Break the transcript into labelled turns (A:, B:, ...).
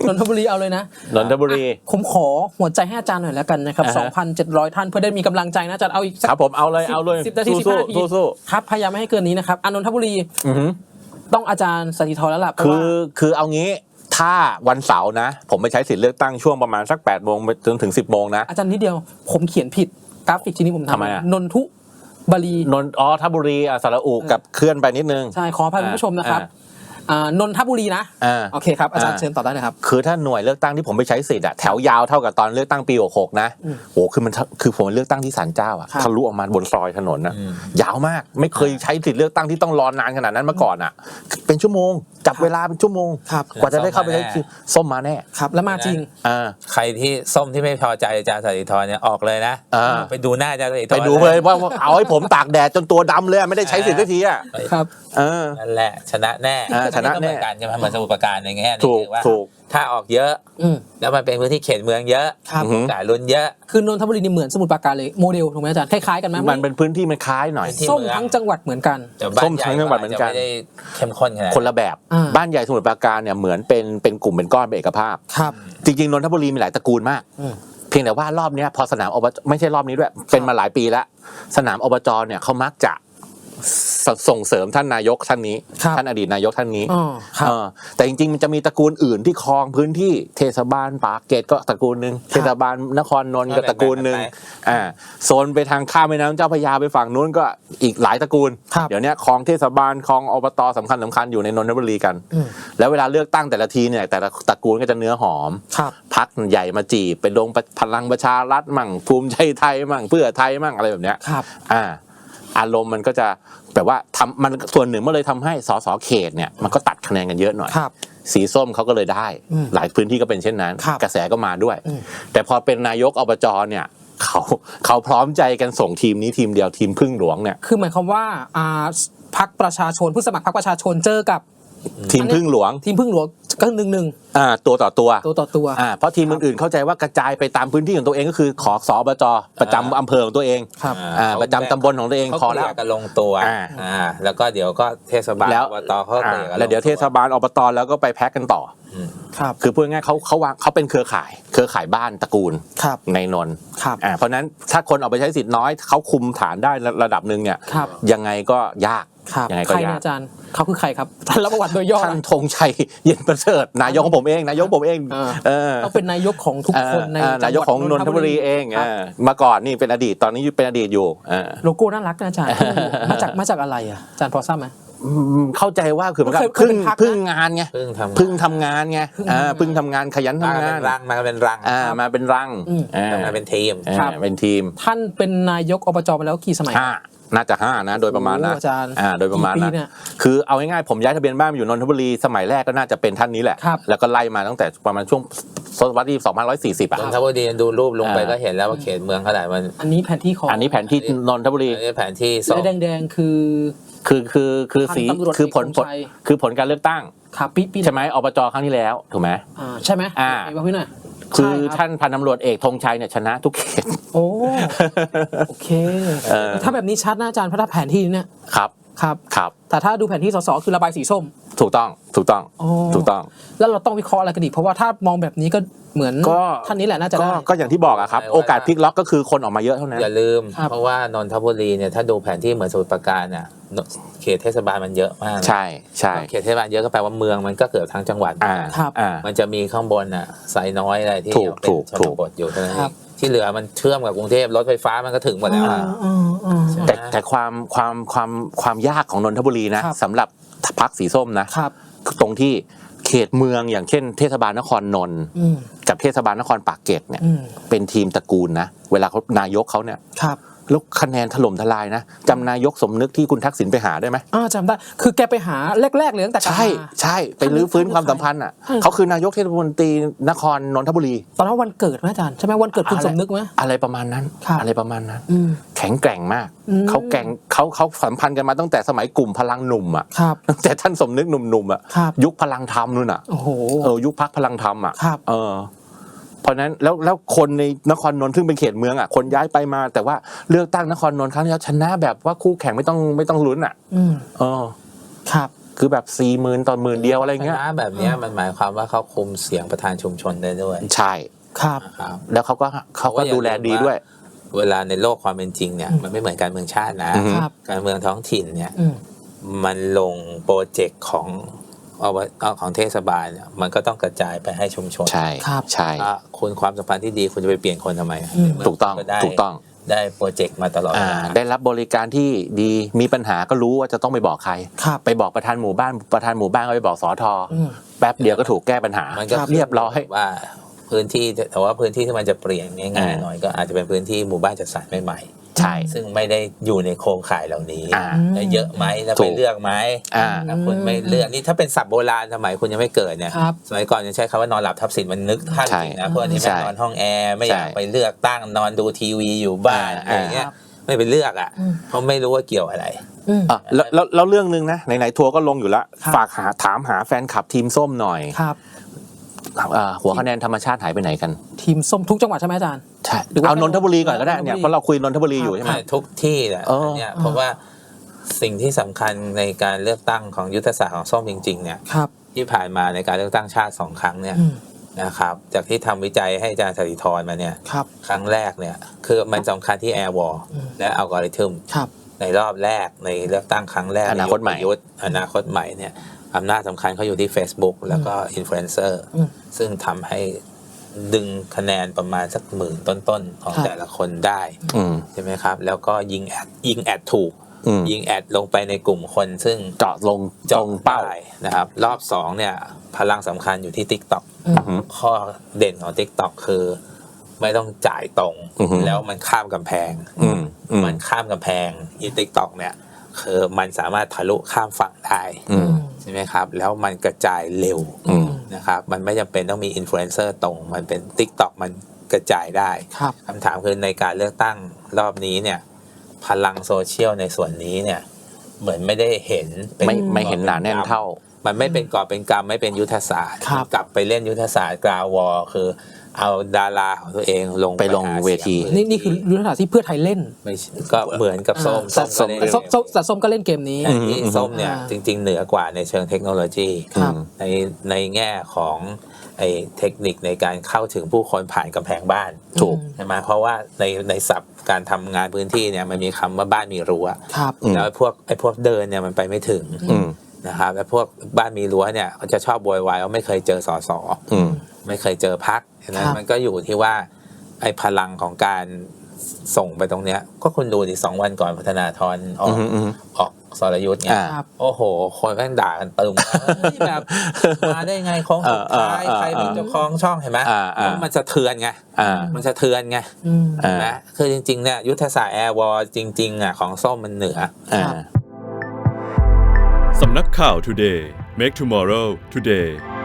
A: นนทบุรีเอาเลยนะ
B: นนทบุรี
A: ผมขอหัวใจให้อาจารย์หน่อยแล้วกันนะครับ 2,700 ท่านเพื่อได้มีกำลังใจนะอาจารย์เอาอีก
B: ครับผมเอาเลย
A: 10 นาที 15 นาทีครับพยายามไม่ให้เกินนี้นะครับนนทบุรีต้องอาจารย์สถิธรแล้วล่ะ
B: คือเอางี้ถ้าวันเสาร์นะผมไปใช้สิทธิ์เลือกตั้งช่วงประมาณสัก8 โมงจนถึง10 โมงนะ
A: อาจารย์นิดเดียวผมเขียนผิดกราฟิกที่นี้ผมทำนนทุบุรี
B: ทบุรีสระอุกับเคลื่อนไปนิดนึง
A: ใช่ขออภัยคุณผู้ชมนะครับนนทบุรีนะโอเคครับอาจารย์เชิญต่อได้นะครับ
B: คือถ้าหน่วยเลือกตั้งที่ผมไปใช้สิทธิ์แถวยาวเท่ากับตอนเลือกตั้งปี66นะโอ้คือผมเลือกตั้งที่ศาลเจ้าทะลุออกมาบนซอยถนนนะยาวมากไม่เคยใช้สิทธิ์เลือกตั้งที่ต้องรอนานขนาดนั้นมาก่อนเป็นชั่วโมงจับเวลาเป็นชั่วโมงกว่าจะได้เข้าไปใช้ส้มมาแน่
A: ครับแล้วมาจริง
C: ใครที่ส้มที่ไม่พอใจอาจารย์สถิธรเนี่ยออกเลยนะไปดูหน้าอาจารย์สถิธร
B: ไปดูเลยว่าเอาให้ผมตากแดดจนตัวดำเลยไม่ได้ใช้สิทธิ์สักที
A: ครับ
C: นั่นแหละชนะแน่
B: ชนะแน่
C: การจะมาเหมือนสมุทรปราการอย่างเงี้ยนี่ว่าถ้าออกเยอะแล้วมันเป็นพื้นที่เขตเมืองเยอะจ่ายลุ้นเยอะ
A: คือนนทบุรีนี่เหมือนสมุทรปราการเลยโมเดลถูกไหมอาจารย์คล้ายๆกันไหม
B: มันเป็นพื้นที่มันคล้ายหน่อย
A: ส้มทั้งจังหวัดเหมือนกัน
B: ส้มทั้งจังหวัดเหมือนกัน
C: ไม่ได้เข้มข้นขนาด
B: คนละแบบบ้านใหญ่สมุทรปราการเนี่ยเหมือนเป็นกลุ่มเป็นก้อนเป็นเอกภาพจริงๆนนทบุรีมีหลายตระกูลมากเพียงแต่ว่ารอบนี้พอสนามอบจไม่ใช่รอบนี้ด้วยเป็นมาหลายปีแล้วสนามอบจเนี่ยเขามักจะส่งเสริมท่านนายกท่านนี้ท่านอดีตนายกท่านนี้แต่จริงๆมันจะมีตระกูลอื่นที่ครองพื้นที่เทศบาลปากเกร็ดก็ตระกูลนึงเทศบาลนครนนท์ก็ตระกูลนึงโซนไปทางข้ามแม่น้ำเจ้าพระยาไปฝั่งนู้นก็อีกหลายตระกูลเดี๋ยวนี้ครองเทศบาลครองอบตสำคัญอยู่ในนนทบุรีกันแล้วเวลาเลือกตั้งแต่ละทีเนี่ยแต่ละตระกูลก็จะเนื้อหอมพรรคใหญ่มาจีบไปลงพลังประชารัฐมั่งภูมิใจไทยมั่งเพื่อไทยมั่งอะไรแบบเนี้ยอารมณ์มันก็จะแบบว่ามันส่วนหนึ่งมันเลยทำให้สสเขตเนี่ยมันก็ตัดคะแนนกันเยอะหน่อยสีส้มเขาก็เลยได้หลายพื้นที่ก็เป็นเช่นนั้นกระแสก็มาด้วยแต่พอเป็นนายกอบจเนี่ยเขาพร้อมใจกันส่งทีมนี้ทีมเดียวทีมพึ่งหลวงเนี่ย
A: คือหมายความว่าพรรคประชาชนผู้สมัครพรรคประชาชนเจอกับ
B: ทีมพึ่งหลวง
A: ก็1-1
B: ตัวต่อตัวเพราะทีมอื่นๆเข้าใจว่ากระจายไปตามพื้นที่ของตัวเองก็คือขอสอบจประจำอำเภอของตัวเองประจำตำบลของตัวเอง
C: ขอแล้วก็ลงตัวแล้วก็เดี๋ยวก็เทศบาลอบตเขา
B: แล้วเดี๋ยวเทศบาลอบตแล้วก็ไปแพ็กกันต่อคือพูดง่ายเขาเป็นเครือข่ายบ้านตระกูลในนนท์เพราะนั้นถ้าคนออกไปใช้สิทธิ์น้อยเขาคุมฐานได้ระดับหนึ่งเนี่ยยังไงก็ยากยังไงก็ยาก
A: อาจารย์เขาคือใครครับท่านรับประวัติโดยย่อ
B: ท่านธงชัยเย็นประเสริฐนายกของผมเอง
A: เขาเป็นนายกของทุกคนใน
B: นายกของนนทบุรีเองมาก่อนนี่เป็นอดีตตอนนี้เป็นอดีตอยู่
A: โลโก้น่ารักนะอาจารย์มาจากอะไรอาจารย์พอทราบไหม
B: เข้าใจว่าคือมันก็พึ่งงานไงพึ่งทำงานไงพึ่งทำงานขยันทำงาน
C: มาเป็นรัง
B: มาเป็นรัง
C: มาเป็นทีม
A: ท่านเป็นนายกอบจมาแล้วกี่สมัย
B: น่าจะ5นะโดยประมาณนะโดยประมาณนะคือเอาง่ายๆผมย้ายทะเบียนบ้านมาอยู่นนทบุรีสมัยแรกก็น่าจะเป็นท่านนี้แหละแล้วก็ไล่มาตั้งแต่ประมาณช่วงศตวรรษที่2140
C: นนทบุรีดูรูปลงไปก็เห็นแล้วว่าเขตเมืองเท่าไหร่มัน
A: อันนี้แผนที่ของ
B: อันนี้แผนที่นนทบุรี
C: อันนี้แผนที่
A: แดงๆ
B: คือสีคือผลการเลือกตั้งใช่ไหมอบจครั้งที่แล้วถูกไหม
A: ใช่ไหมบอกพี่หน่อย
B: คือท่านพันตำรวจเอกธงชัยเนี่ยชนะทุกเขต
A: โอเคถ้าแบบนี้ชัดนะอาจารย์เพราะถ้าแผนที่เนี่ยครับแต่ถ้าดูแผนที่สสคือระบายสีส้ม
B: ถูกต้อง
A: แล้วเราต้องวิเคราะห์อะไรกันอีกเพราะว่าถ้ามองแบบนี้ก็เหมือนท่านนี้แหละน่าจะได้
B: ก็อย่างที่บอกอะครับโอกาสพลิกล็อกก็คือคนออกมาเยอะเท่านั้น
C: อย่าลืมเพราะว่านนทบุรีเนี่ยถ้าดูแผนที่เหมือนสมุทรปราการน่ะเขตเทศบาลมันเยอะมาก
B: ใช่
C: เขตเทศบาลเยอะก็แปลว่าเมืองมันก็เกิดทั้งจังหวัดมันจะมีข้างบนน่ะไซน้อยอะไรที่เป็นชนบทอยู่เท่านั้นที่เหลือมันเชื่อมกับกรุงเทพรถไฟฟ้ามันก็ถึงหมดแล้ว
B: แต่ความยากของนนทบุรีนะสำหรับพรรคสีส้มนะตรงที่เขตเมืองอย่างเช่นเทศบาลนครนนท์กับเทศบาลนครปากเกร็ดเนี่ยเป็นทีมตระกูลนะเวลาเขานายกเขาเนี่ยแล้วคะแนนถล่มทลายนะจำนายกสมนึกที่คุณทักษิณไปหาได้ไหม
A: จำได้คือแกไปหาแรกๆเลยตั้งแต่
B: ใช่ไปรื้อฟื้นความสัมพันธ์อ่ะเขาคือนายกเทศมนตรีนครนนทบุรี
A: ตอนนั้นวันเกิดไหมอาจารย์ใช่ไหมวันเกิดคุณสมนึกไหม
B: อะไรประมาณนั้นแข็งแกร่งมากเขาสัมพันธ์กันมาตั้งแต่สมัยกลุ่มพลังหนุ่มอ่ะแต่ท่านสมนึกหนุ่มๆอ่ะยุคพลังธรรมนู่นอ่ะยุคพรรคพลังธรรมอ่ะเพราะนั้นแล้วคนในนครนนท์ซึ่งเป็นเขตเมืองอ่ะคนย้ายไปมาแต่ว่าเลือกตั้งนครนนท์ครั้งนี้ชนะแบบว่าคู่แข่งไม่ต้องลุ้นอ่ะ
A: ครับ
B: คือแบบ 40,000 ต่อ 10,000 เดียวอะไรเงี้ย
C: แบบนี้มันหมายความว่าเขาคุมเสียงประธานชุมชนได้ด้วย
B: ใช่
A: ครับ
B: แล้วเขาก็ดูแลดีด้วย
C: เวลาในโลกความเป็นจริงเนี่ยมันไม่เหมือนการเมืองชาตินะการเมืองท้องถิ่นเนี่ยมันลงโปรเจกต์ของเทศบาลเนี่ยมันก็ต้องกระจายไปให้ชุมชน
B: ใช่ใช่
C: คุณความสัมพันธ์ที่ดีคุณจะไปเปลี่ยนคนทำไม
B: ถูกต้อง
C: ได้โปรเจกต์มาตลอด
B: ได้รับบริการที่ดีมีปัญหาก็รู้ว่าจะต้องไปบอกใครไปบอกประธานหมู่บ้านก็ไปบอกสทแป๊บเดียวก็ถูกแก้ปัญหาเรียบร้อย
C: ว่าพื้นที่แต่ว่าพื้นที่ที่มันจะเปลี่ยนง่ายๆหน่อยก็อาจจะเป็นพื้นที่หมู่บ้านจัดสรรใหม่
B: ใช่
C: ซึ่งไม่ได้อยู่ในโครงข่ายเหล่านี้เยอะไหมแล้วไปเลือกไหมคุณไม่เลือกนี่ถ้าเป็นศัพท์โบราณสมัยคุณยังไม่เกิดเนี่ยสมัยก่อนยังใช้คำว่านอนหลับทับสินมันนึกท่านจริงนะพวกนี้ไม่นอนห้องแอร์ไม่อยากไปเลือกตั้งนอนดูทีวีอยู่บ้านอะไรเงี้ยไม่ไปเลือกเพราะไม่รู้ว่าเกี่ยวอะไร
B: แล้วเรื่องนึงนะไหนๆทัวร์ก็ลงอยู่แล้วฝากถามหาแฟนคลับทีมส้มหน่อยหัวคะแนนธรรมชาติหายไปไหนกัน
A: ทีมส้มทุกจังหวัดใช่ไหมอาจารย์
B: ใช่เอานนทบุรีก่อนก็ได้เนี่ยเพราะเราคุยนนทบุรีอยู่ใช่ไหม
C: ทุกที่แหละเนี่ยเพราะว่าสิ่งที่สำคัญในการเลือกตั้งของยุทธศาสตร์ของส้มจริงๆเนี่ยที่ผ่านมาในการเลือกตั้งชาติ2 ครั้งเนี่ยนะครับจากที่ทำวิจัยให้อาจารย์สถิธรมาเนี่ยครั้งแรกเนี่ยคือมันสำคัญที่แอร์วอลและอัลกอริทึมในรอบแรกในเลือกตั้งครั้งแรก
B: อนาคตใหม่
C: เนี่ยอำนาจสำคัญเขาอยู่ที่ Facebook แล้วก็อินฟลูเอนเซอร์ซึ่งทำให้ดึงคะแนนประมาณสัก10,000ต้นๆของแต่ละคนได้ใช่ไหมครับแล้วก็ยิงแอดถูกยิงแอดลงไปในกลุ่มคนซึ่ง
B: เจาะเป้า
C: นะครับรอบ2เนี่ยพลังสำคัญอยู่ที่ TikTok ข้อเด่นของ TikTok คือไม่ต้องจ่ายตรงแล้วมันข้ามกำแพงมันข้ามกำแพงอี TikTok เนี่ยคือมันสามารถทะลุข้ามฝั่งได้ใช่ไหมครับแล้วมันกระจายเร็วนะครับมันไม่จำเป็นต้องมีอินฟลูเอนเซอร์ตรงมันเป็น TikTok มันกระจายได้คำถามคือในการเลือกตั้งรอบนี้เนี่ยพลังโซเชียลในส่วนนี้เนี่ยเหมือนไม่ได้เห็น
B: ไม่เห็นหนาแน่นเท่า
C: มันไม่เป็นกอบเป็นกำไม่เป็นยุทธศาสตร์กลับไปเล่นยุทธศาสตร์กราววอคือเอาดาราของตัวเองลง
B: เวที
A: นี่คือยุทธศาสตร์ที่เพื่อไทยเล่น
C: ก็เหมือนกับส้ม
A: ส้มก็เล่นเกมนี้
C: ส้มเนี่ยจริงๆเหนือกว่าในเชิงเทคโนโลยีในแง่ของไอ้เทคนิคในการเข้าถึงผู้คนผ่านกำแพงบ้าน
B: ถูก
C: ใช่ไหมเพราะว่าในศัพท์การทำงานพื้นที่เนี่ยมันมีคำว่าบ้านมีรั้วแล้วพวกเดินเนี่ยมันไปไม่ถึงนะครับแล้วพวกบ้านมีรั้วเนี่ยเขาจะชอบโวยวายว่าไม่เคยเจอสสไม่เคยเจอพรรคนะมันก็อยู่ที่ว่าไอ้พลังของการส่งไปตรงเนี้ยก็คุณดูดิ2 วันก่อนพัฒนาธรออกสรยุทธ์เนี่ยโอ้โหคนแม่งด่ากันตึมแบบมาได้ไงของสุดท้ายใครเป็นเจ้าของช่องเห็นไหมมันสะเทือนไงนะคือจริงๆเนี่ยยุทธศาสตร์แอร์วอลจริงๆของส้มมันเหนือ
D: สำนักข่าว Today Make Tomorrow Today